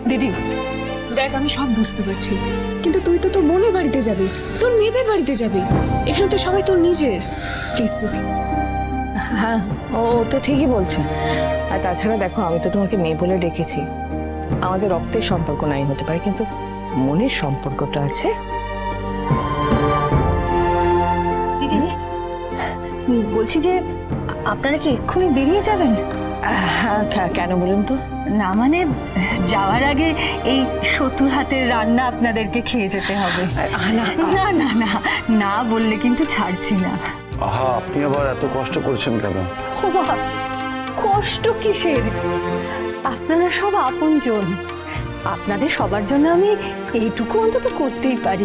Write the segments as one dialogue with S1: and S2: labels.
S1: দিদি দেখ, আমি সব বুঝতে পারছি, কিন্তু তুই তো তোর বোনের বাড়িতে যাবি, তোর মেয়েদের বাড়িতে যাবি, এখানে তো সবাই তোর নিজের। প্লিজ দিদি।
S2: হ্যাঁ, ও তো ঠিকই বলছে। আর তাছাড়া দেখো, আমি তো তোমাকে মেয়ে বলে ডেকেছি। আমাদের রক্তের সম্পর্ক নাই হতে পারে, কিন্তু মনের সম্পর্কটা আছে।
S3: বলছি যে আপনারা কি এক্ষুনি বেরিয়ে যাবেন?
S2: হ্যাঁ, কেন বলুন তো?
S3: না মানে যাওয়ার আগে এই 70 হাতের রান্না আপনাদেরকে খেয়ে যেতে হবে। না না না না না বললে কিন্তু ছাড়ছি না।
S4: আহা, আপনি আবার এত কষ্ট করছেন কেন?
S3: ও বাবা, কষ্ট কিসের? আপনারা সব আপনজন, আপনাদের সবার জন্য আমি এইটুকু অন্তত করতেই পারি।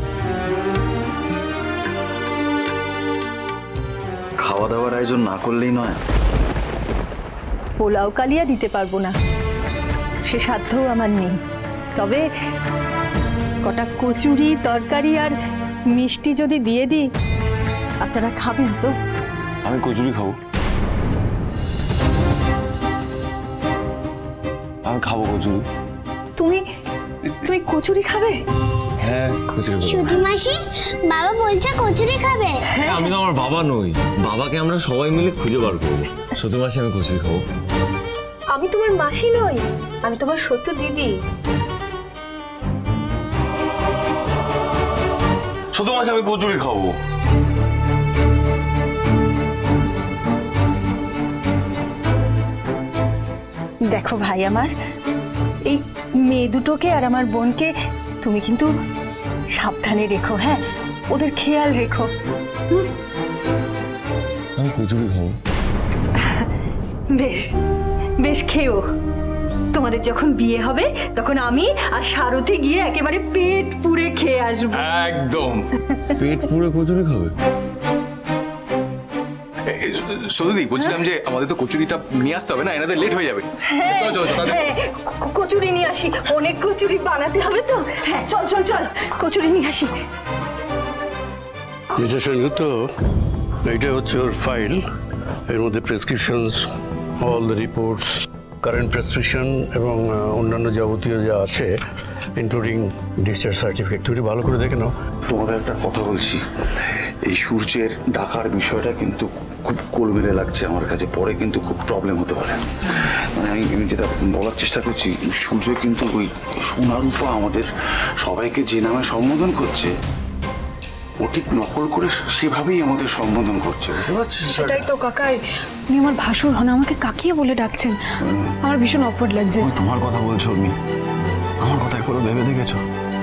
S4: খাওয়া দাওয়ার আয়োজন না করলেই নয়।
S3: পোলাও কালিয়া দিতে পারবো না, সে সাধ্যও আমার নেই। তবে কটা কচুরি, তরকারি আর মিষ্টি যদি দিয়ে দিই, আপনারা খাবেন তো?
S4: আমি কচুরি খাবো। আমি খাবো কচুরি।
S3: তুমি তুমি কচুরি খাবে?
S4: হ্যাঁ, কচুরি খাবো।
S5: ছোট মাসি, বাবা বলছে কচুরি খাবে।
S6: আমি তো আমার বাবা নই, বাবাকে আমরা সবাই মিলে খুঁজে বার করবো। ছোট মাসে আমি কচুরি খাবো।
S3: আমি তোমার মাসি নই, আমি তোমার সত্য দিদি।
S4: ছোট মাছ আমি কচুরি খাবো।
S3: দেখো ভাই আমার, এই মেয়ে দুটোকে আর আমার বোনকে তুমি কিন্তু সাবধানে রেখো। হ্যাঁ, ওদের খেয়াল রেখো।
S6: আমি কচুরি খাবো।
S3: বেশ বেশ, খেও। তোমাদের যখন বিয়ে হবে তখন আমি আর সারথি গিয়ে একেবারে পেট পুড়ে খেয়ে আসবো।
S4: একদম।
S6: পেট পুরো কচুরি খাবে?
S4: সত্যি বলছিলাম যে আমাদের তো কচুরিটা নিয়ে আসতে হবে না, এনাদের লেট হয়ে যাবে। চলো চলো চলো।
S3: হ্যাঁ, কচুরি নিয়ে আসি, অনেক কচুরি বানাতে হবে তো। হ্যাঁ, চল চল চল, কচুরি নিয়ে আসি।
S7: মিস্টার সেনগুপ্ত, এইটা হচ্ছে ওর ফাইল। এর মধ্যে prescriptions, all the reports, current prescription এবং অন্যান্য যাবতীয় যা আছে, ইনক্লুডিং ডিসচার্জ সার্টিফিকেট। তুমি ভালো করে দেখে নাও।
S4: তোমাদের একটা কথা বলছি, এই সূর্যের ডাকার বিষয়টা কিন্তু খুব কলবেলে লাগছে আমার কাছে। পরে কিন্তু খুব প্রবলেম হতে পারে। মানে আমি যেটা বলার চেষ্টা করছি, সূর্য কিন্তু ওই সোনারূপা আমাদের সবাইকে যে নামে সম্বোধন করছে, ও ঠিক নকল করে সেভাবেই আমাদের সম্বোধন করছে, বুঝতে পারছিস?
S1: সেটাই তো কাকাই, উনি আমার ভাসুর হন, আমাকে কাকিয়ে বলে ডাকছেন। আমার ভীষণ অকওয়ার্ড লাগছে।
S4: তোমার কথা বলছো, আমি আমার কথা একবার ভেবে দেখেছো?